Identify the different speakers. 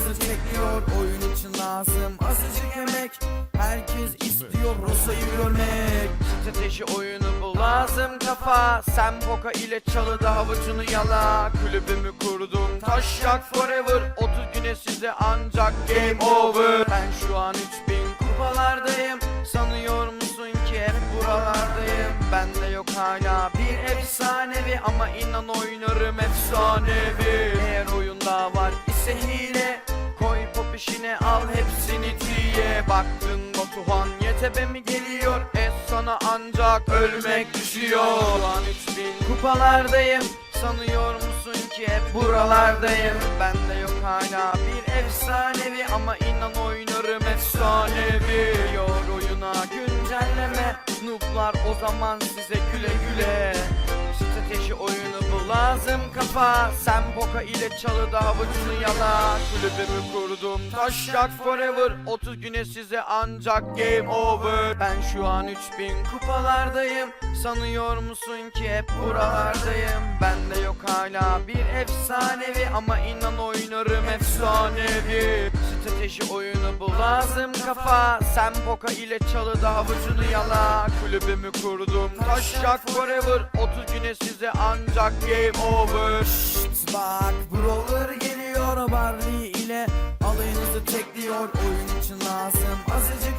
Speaker 1: alayınızı tekliyor. Oyun için lazım azıcık emek. Herkes istiyor Rosa'yı görmek.
Speaker 2: Strateji oyunu bu, lazım kafa. Sen poka ile çalıda havucunu yala. Kulübümü kurdum taşak forever. 30 güne size ancak game over. Ben şu an 3000 kupalardayım. Sanıyor musun ki hep buralardayım? Bende yok hala bir efsanevi, ama inan oynarım efsanevi. Eğer oyunda var ise hile, koy pop işine al hepsini diye. Baktın Batuhan YTB mi geliyor? Sana ancak ölmek düşüyor. Şu an 3000 kupalardayım. Sanıyor musun ki hep buralardayım? Bende yok hala bir efsanevi, ama inan oynarım efsanevi. Yor oyuna güncelleme, nooblar o zaman size güle güle. Strateji oyunu bu, lazım kafa. Sen poka ile çalıda havucunu yala. Kulübümü kurdum taşak forever. 30 güne size ancak game over. Ben şu an 3000 kupalardayım. Sanıyor musun ki hep buralardayım? Bende yok hala bir efsanevi, ama inan oynarım efsanevi. Strateji oyunu bu, lazım kafa. Sen poka ile çalıda havucunu yala. Kulübümü kurdum taşak forever. 30 güne size ancak game over.
Speaker 1: Şşt bak, brawler geliyor Barley ile alayınızı tekliyor. Oyun için lazım azıcık